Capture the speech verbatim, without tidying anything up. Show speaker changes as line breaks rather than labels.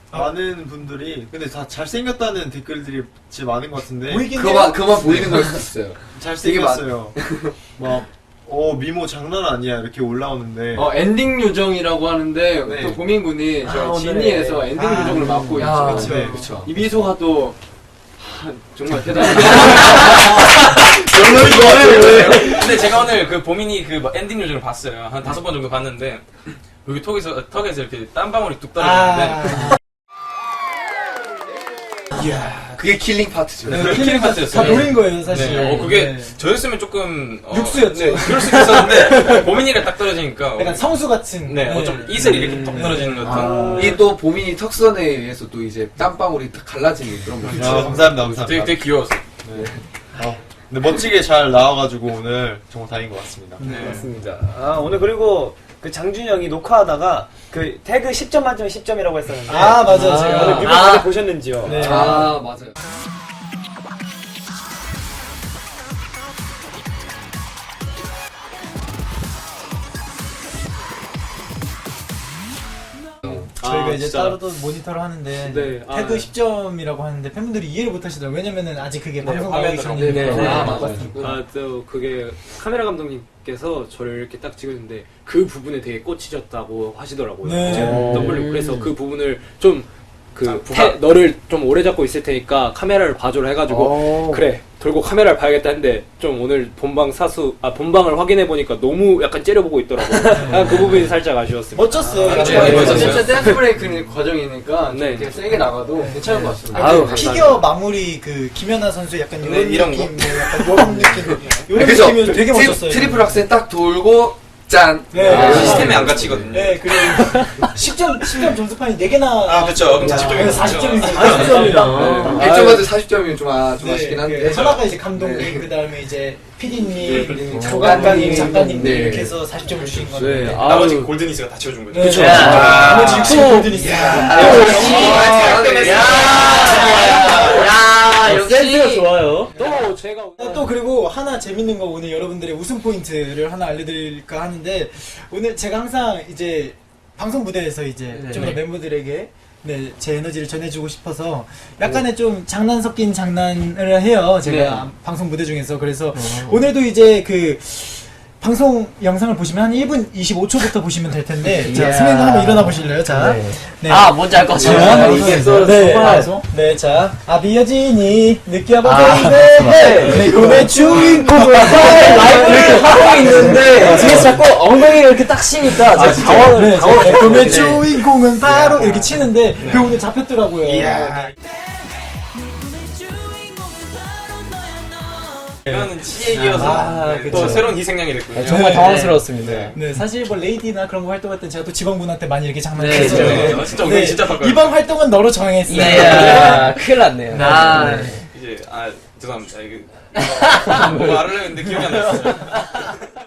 많은 분들이 근데 다 잘생겼다는 댓글들이 진짜 많은 것 같은데
그만 그만 보이는 걸 수도 있어요.
잘생겼어요. 막 어 미모 장난 아니야 이렇게 올라오는데
어 엔딩 요정이라고 하는데
네.
또 보민군이 저
아,
진이에서
오늘의-
엔딩
아,
요정을 맡고
야,
있죠.
네,
그렇죠.
이 미소가 또 하, 정말 대단해요.
별로인 것 같아요.
근데 제가 오늘 그 보민이 그 엔딩 요정을 봤어요. 한 다섯 번 정도 봤는데 여기 턱에서 턱에서 이렇게 땀방울이 뚝 떨어지는데
이야
그게 킬링 파트죠.
네, 킬링 파트였어요.
다 노린 거예요 사실.
네, 어, 그게
네.
저였으면 조금 어,
육수였죠.
네, 그럴 수도 있었는데 보민이가 딱 떨어지니까
약간 성수 같은.
네, 어, 좀 이슬이 이렇게 턱 떨어지는 것 같은.
아.
이게 또 보민이 턱선에 의해서 또 이제 땀방울이 딱 갈라지는 그런 거죠.
아, 감사합니다 감사합니다.
되게 되게 귀여웠어.
네. 어, 근데 멋지게 잘 나와가지고 오늘 정말 다행인 것 같습니다.
네.
맞습니다. 아, 오늘 그리고 그 장준이 형이 녹화하다가 그 태그 십 점 만점에 십 점이라고 했었는데.
아 맞아.
아,
제가
오늘 뮤비
아,
무대 보셨는지요?
네.
아 맞아요.
저희가
아,
이제
진짜.
따로 또 모니터를 하는데
네, 아,
태그
네.
십 점이라고 하는데 팬분들이 이해를 못 하시더라고요. 왜냐면은 아직 그게 방송
화면으로.
나오기 전이니까.
네, 네,
아,
네.
맞아요.
아, 또 그게 카메라 감독님께서 저를 이렇게 딱 찍었는데 그 부분에 되게 꽂히셨다고 하시더라고요.
네.
제가 더블로 그래서 그 부분을 좀 그
아, 부각?
너를 좀 오래 잡고 있을 테니까 카메라를 봐줘라 해가지고 그래 돌고 카메라를 봐야겠다 했는데 좀 오늘 본방 사수 아 본방을 확인해 보니까 너무 약간 째려보고 있더라고요. 아, 그 부분이 살짝 아쉬웠습니다.
멋졌어요.
네,
정말.
멋졌어요.
진짜 댄스 브레이크 과정이니까 네. 되게 세게 나가도 괜찮은 것 같습니다.
아,
아유,
그
감사합니다.
피겨 마무리 그 김연아 선수 약간 이런
네, 이런
느낌, 뭐 약간 이런 느낌, 이런
그죠?
느낌이 되게
트리-
멋졌어요.
트리플 악셀 딱 돌고 짠.
네.
아, 시스템이 안 갇히거든요.
네, 그리고 십 점, 십 점 점수판이 네 개나.
아, 그쵸. 그럼 사십 점이죠.
사십 점이죠.
사십 점이다.
일 점 만점 사십 점이면 좀, 아, 좀 아쉽긴
네,
한데.
그 하나가 이제 감독님,
네.
그 다음에 이제 피디님,
네,
조감독님, 작가님
네.
이렇게 해서 사십 점을 주신 건데.
네.
나머지
아유.
골드니스가 다 채워준 거죠.
네,
그쵸?
네.
아,
나머지 육십 골든 있어요.
야, 역시 센스가 좋아요.
또 제가
또 그리고 하나 재밌는 거 오늘 여러분들의 웃음 포인트를 하나 알려드릴까 하는데 오늘 제가 항상 이제 방송 무대에서 이제 좀 더 멤버들에게 네, 제 에너지를 전해주고 싶어서 약간의 좀 장난 섞인 장난을 해요 제가 방송 무대 중에서 그래서 오늘도 이제 그 방송 영상을 보시면 한 일 분 이십오 초부터 보시면 될 텐데 자 승현도 한번 일어나 보실래요? 자 네.
아, 뭔지 알 것 같아요.
이게
이게
네,
방송?
네, 자, 아비여진이 느껴봐,
아,
베이베. 내 꿈의 주인공을
라이브를 하고 있는데 뒤에서 자꾸 엉덩이를 이렇게 딱 치니까 제가 당황을
네,
당황을
내 꿈의
했거든요.
주인공은 바로 이렇게 치는데 그 오늘 잡혔더라고요.
이거는 치액이어서
아,
네,
그쵸.
또 새로운 희생양이 됐군요.
정말
네.
당황스러웠습니다.
네, 사실 뭐 레이디나 그런 거 활동할 때 제가 또 지방분한테 많이 이렇게
네,
장난쳤어요.
네, 네. 진짜 엉덩이 진짜 바꿔요.
이번 활동은 너로 정했어.
이야, 큰일 났네요. 아,
이제 아 죄송합니다. 이게 뭐 말을 했는데 기억이 안 났어요.